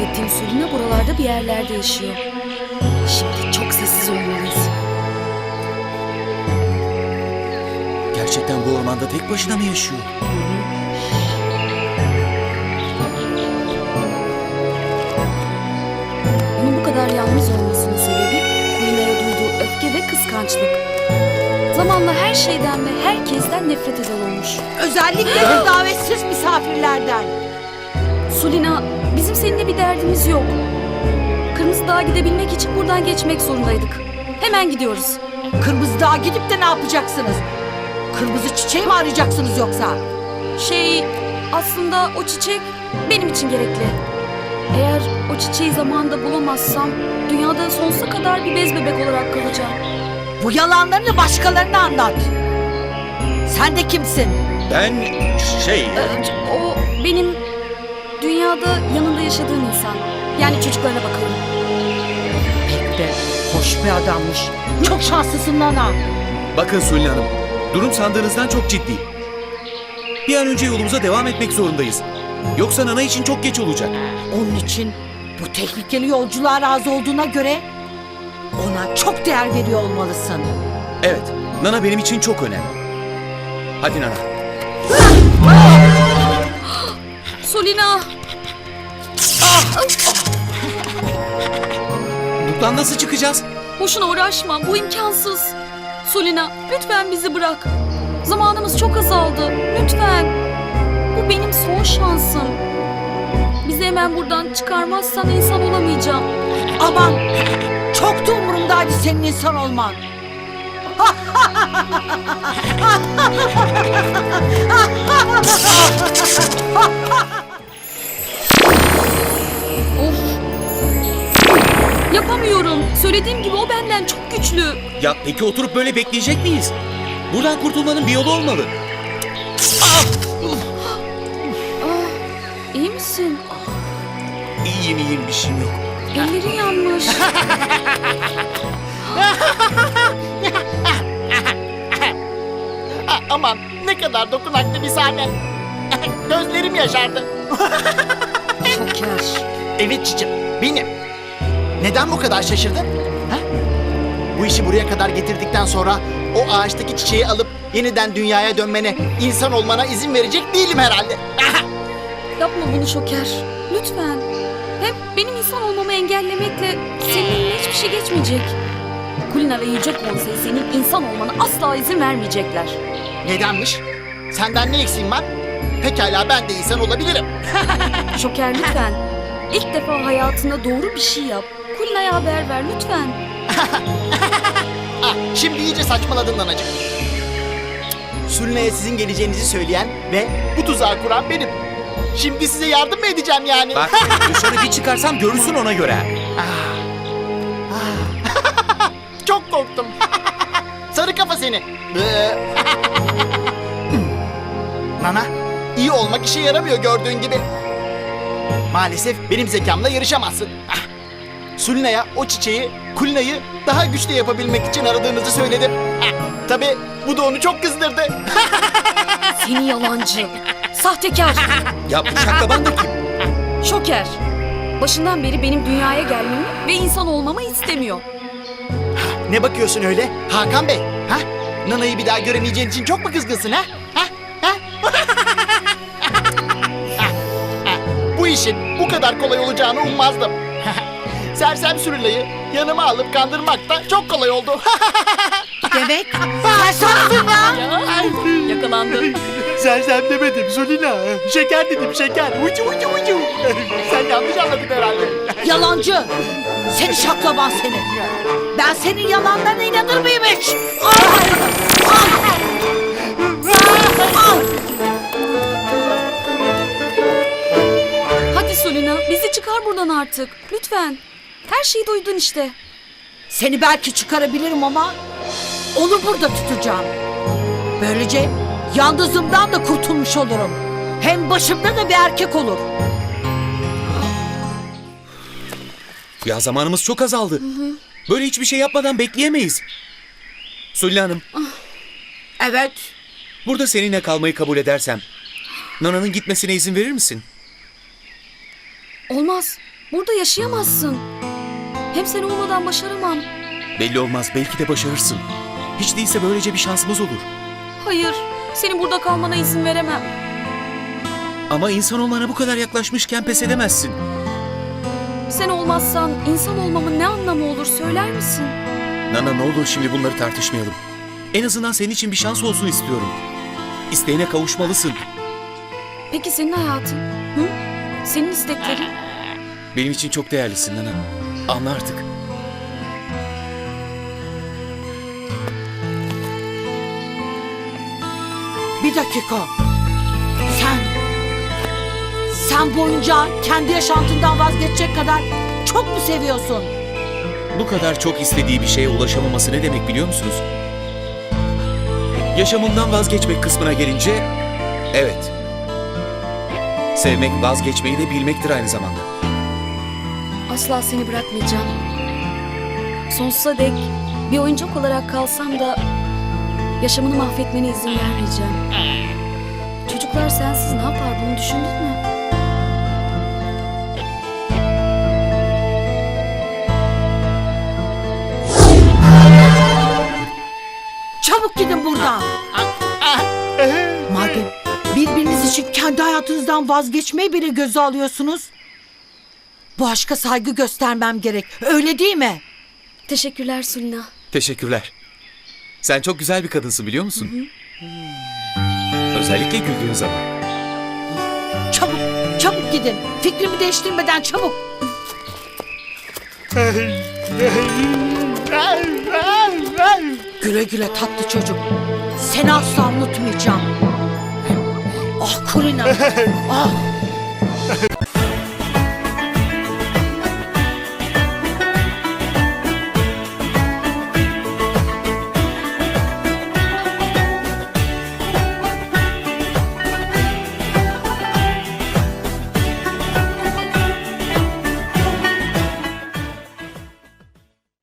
bahsettiğim Sulina buralarda bir yerlerde yaşıyor. Şimdi çok sessiz olmalıyız. Gerçekten bu ormanda tek başına mı yaşıyor? Onun bu kadar yalnız olmasının sebebi Sulina'ya duyduğu öfke ve kıskançlık. Zamanla her şeyden ve herkesten nefret eder olmuş. Özellikle de davetsiz misafirlerden. Sulina, bizim seninle bir derdimiz yok. Kırmızı Dağ'a gidebilmek için buradan geçmek zorundaydık. Hemen gidiyoruz. Kırmızı Dağ'a gidip de ne yapacaksınız? Kırmızı çiçeği mi arayacaksınız yoksa? Aslında o çiçek benim için gerekli. Eğer o çiçeği zamanında bulamazsam dünyada sonsuza kadar bir bez bebek olarak kalacağım. Bu yalanlarını başkalarına anlat. Sen de kimsin? Ben O benim dünyada yanında yaşadığım insan. Yani çocuklarına bakalım. Pek de hoş bir adammış. Çok şanslısın Nana. Bakın Sulin Hanım, durum sandığınızdan çok ciddi. Bir an önce yolumuza devam etmek zorundayız. Yoksa Nana için çok geç olacak. Onun için bu tehlikeli yolculuğa razı olduğuna göre ona çok değer veriyor olmalısın. Evet, Nana benim için çok önemli. Hadi Nana. Sulina! Buradan nasıl çıkacağız? Boşuna uğraşma, bu imkansız. Sulina, lütfen bizi bırak. Zamanımız çok azaldı, lütfen. Bu benim son şansım. Bizi hemen buradan çıkarmazsan insan olamayacağım. Aman çok da umurumdaydı senin insan olman. Of! Yapamıyorum. Söylediğim gibi o benden çok güçlü. Ya peki oturup böyle bekleyecek miyiz? Buradan kurtulmanın bir yolu olmalı. İyi misin? İyiyim bir şeyim yok. Ellerin yanmış. Aman ne kadar dokunaklı bir sahne. Gözlerim yaşardı. Şoker. Evet Çiçim, benim. Neden bu kadar şaşırdın? Ha? Bu işi buraya kadar getirdikten sonra o ağaçtaki çiçeği alıp yeniden dünyaya dönmene, insan olmana izin verecek değilim herhalde. Yapma bunu Şoker. Lütfen. Hem benim insan olmamı engellemekle senin eline hiçbir şey geçmeyecek. Kulina ve Yüce Konsey senin insan olmana asla izin vermeyecekler. Nedenmiş? Senden ne eksiğim var? Pekala ben de insan olabilirim. Şoker lütfen. İlk defa hayatında doğru bir şey yap. Kulina'ya haber ver lütfen. Ah, şimdi iyice saçmaladın Nanacığım. Sulina'ya sizin geleceğinizi söyleyen ve bu tuzağı kuran benim. Şimdi size yardım mı edeceğim yani? Bak dışarı bir çıkarsam görürsün ona göre. Çok korktum. Sarı kafa seni. Nana, iyi olmak işe yaramıyor gördüğün gibi. Maalesef benim zekamla yarışamazsın. Sulina'ya o çiçeği, Kulina'yı daha güçlü yapabilmek için aradığınızı söyledim. Tabii bu da onu çok kızdırdı. Seni yalancı. Sahtekar. Ya bu şaklaban da kim? Şoker. Başından beri benim dünyaya gelmemi ve insan olmamı istemiyor. Ne bakıyorsun öyle Hakan Bey? Ha? Nana'yı bir daha göremeyeceğin için çok mu kızgınsın ha? Bu işin bu kadar kolay olacağını ummazdım. Sersem Sürülay'ı yanıma alıp kandırmak da çok kolay oldu. Demek sersemsin ya. Yakalandı. Sersem demedim Sulina. Şeker dedim şeker. Ucu ucu ucu. Sen yanlış anladın herhalde. Yalancı. Seni şaklaban seni. Ben senin yalanlarına inanır mıyım hiç? Hadi Sulina bizi çıkar buradan artık. Lütfen. Her şeyi duydun işte. Seni belki çıkarabilirim ama onu burada tutacağım. Böylece yalnızlığımdan da kurtulmuş olurum. Hem başımda da bir erkek olur. Ya zamanımız çok azaldı. Böyle hiçbir şey yapmadan bekleyemeyiz. Sulin Hanım, Evet. burada seninle kalmayı kabul edersem Nana'nın gitmesine izin verir misin? Olmaz. Burada yaşayamazsın. Hem sen olmadan başaramam. Belli olmaz, belki de başarırsın. Hiç değilse böylece bir şansımız olur. Hayır, senin burada kalmana izin veremem. Ama insan olmana bu kadar yaklaşmışken pes edemezsin. Sen olmazsan insan olmamın ne anlamı olur söyler misin? Nana, ne olur şimdi bunları tartışmayalım. En azından senin için bir şans olsun istiyorum. İsteğine kavuşmalısın. Peki senin hayatın? Hı? Senin isteklerin? Benim için çok değerlisin Nana. Anla artık. Bir dakika. Sen boyunca kendi yaşantından vazgeçecek kadar çok mu seviyorsun? Bu kadar çok istediği bir şeye ulaşamaması ne demek biliyor musunuz? Yaşamından vazgeçmek kısmına gelince, evet. Sevmek vazgeçmeyi de bilmektir aynı zamanda. Asla seni bırakmayacağım. Sonsuza dek bir oyuncak olarak kalsam da yaşamını mahvetmene izin vermeyeceğim. Çocuklar sensiz ne yapar bunu düşündün mü? Çabuk gidin buradan. Madem birbiriniz için kendi hayatınızdan vazgeçmeyi bile göze alıyorsunuz, bu aşka saygı göstermem gerek. Öyle değil mi? Teşekkürler Sulina. Teşekkürler. Sen çok güzel bir kadınsın biliyor musun? Özellikle güldüğün zaman. Çabuk gidin. Fikrimi değiştirmeden çabuk. Güle güle tatlı çocuk. Seni asla unutmayacağım. Ah Kulina. Ah.